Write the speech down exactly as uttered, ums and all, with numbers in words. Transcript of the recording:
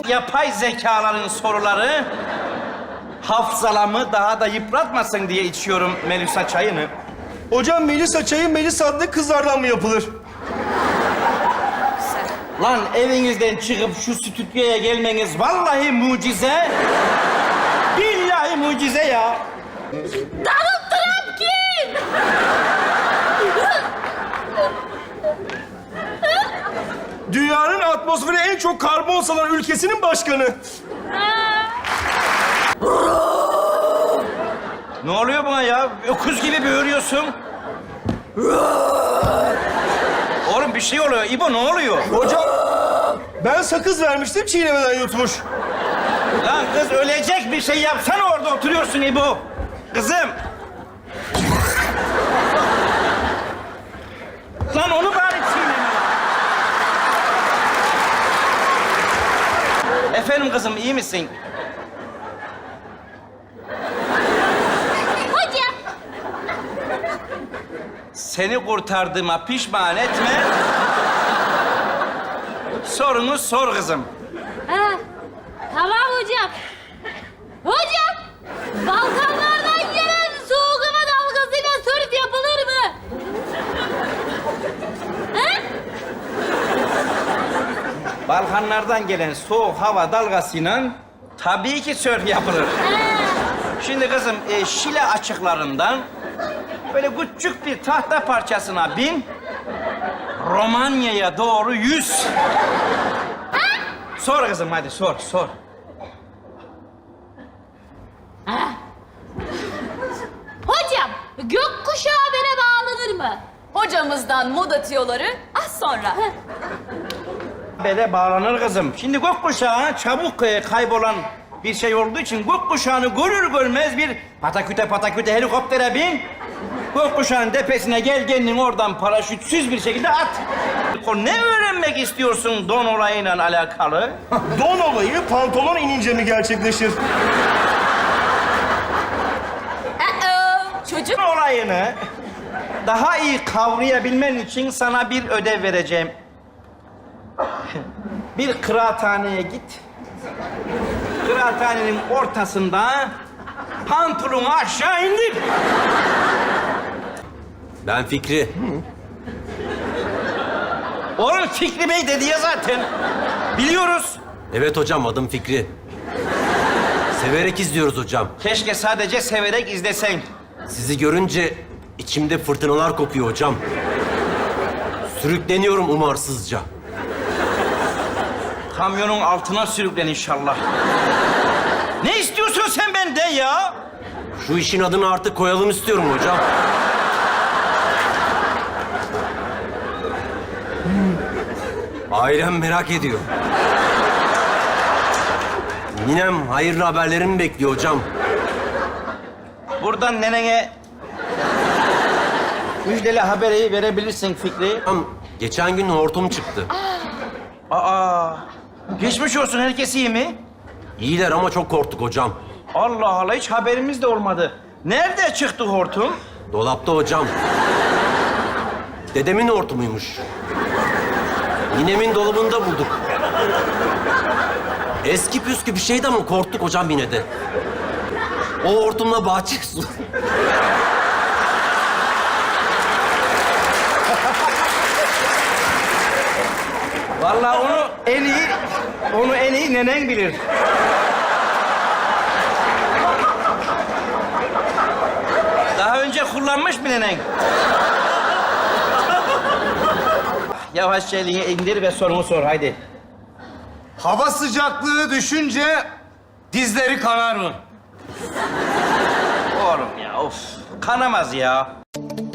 yapay zekaların soruları hafızalamı daha da yıpratmasın diye içiyorum Melisa çayını. Hocam Melisa çayı Melisa adlı kızlardan mı yapılır? Lan evinizden çıkıp şu stüdyoya gelmeniz vallahi mucize. Billahi mucize ya. Donald Trump kim? Dünyanın atmosferi en çok karbon salan ülkesinin başkanı. Ne oluyor buna ya? Öküz gibi böğürüyorsun. Oğlum bir şey oluyor. İbo ne oluyor? Hocam ben sakız vermiştim çiğnemeden yutmuş. Lan kız ölecek bir şey yapsana orada oturuyorsun İbo. Kızım. Lan onu bari çiğneme. Efendim kızım iyi misin? Hocam. Seni kurtardığıma pişman etme. Sorunu sor kızım. Ha, tamam hocam. Hocam, Balkanlardan gelen soğuk hava dalgasıyla sörf yapılır mı? Ha? Balkanlardan gelen soğuk hava dalgasıyla tabii ki sörf yapılır. Ha. Şimdi kızım e, Şile açıklarından böyle küçük bir tahta parçasına bin, Romanya'ya doğru yüz. Sor kızım hadi sor sor. Hocam, gökkuşağı habere bağlanır mı? Hocamızdan moda tiyoları az sonra. Habere bağlanır kızım. Şimdi gökkuşağı çabuk e, kaybolan bir şey olduğu için gökkuşağını görür görmez bir pataküte pataküte helikoptere bin. Gökkuşağının tepesine gel kendin oradan paraşütsüz bir şekilde at. Ne öğrenmek istiyorsun don olayıyla alakalı? Don olayı pantolon inince mi gerçekleşir? Aa, çocuk Don olayını daha iyi kavrayabilmen için sana bir ödev vereceğim. Bir kıraathaneye git. Kıraathanenin ortasında pantolonu aşağı indir. Ben Fikri. Oğlum Fikri Bey dedi ya zaten. Biliyoruz. Evet hocam, adım Fikri. Severek izliyoruz hocam. Keşke sadece severek izlesen. Sizi görünce içimde fırtınalar kopuyor hocam. Sürükleniyorum umarsızca. Kamyonun altına sürüklen inşallah. Ne istiyorsun sen benden ya? Şu işin adını artık koyalım istiyorum hocam. Ailem merak ediyor. Ninem hayırlı haberlerimi bekliyor hocam. Buradan nenene müjdeli haberi verebilirsin Fikri. Hocam, geçen gün hortum çıktı. Aa, geçmiş olsun, herkes iyi mi? İyiler ama çok korktuk hocam. Allah Allah, hiç haberimiz de olmadı. Nerede çıktı hortum? Dolapta hocam. Dedemin hortumuymuş. Ninemin dolabında bulduk. Eski püskü bir şeydi ama korktuk hocam yine de. O hortumla bahçe su. Vallahi onu en iyi, onu en iyi nenen bilir. Daha önce kullanmış mı nenen? Yavaşça elini indir ve sorunu sor, haydi. Hava sıcaklığı düşünce dizleri kanar mı? Oğlum ya, of. Kanamaz ya.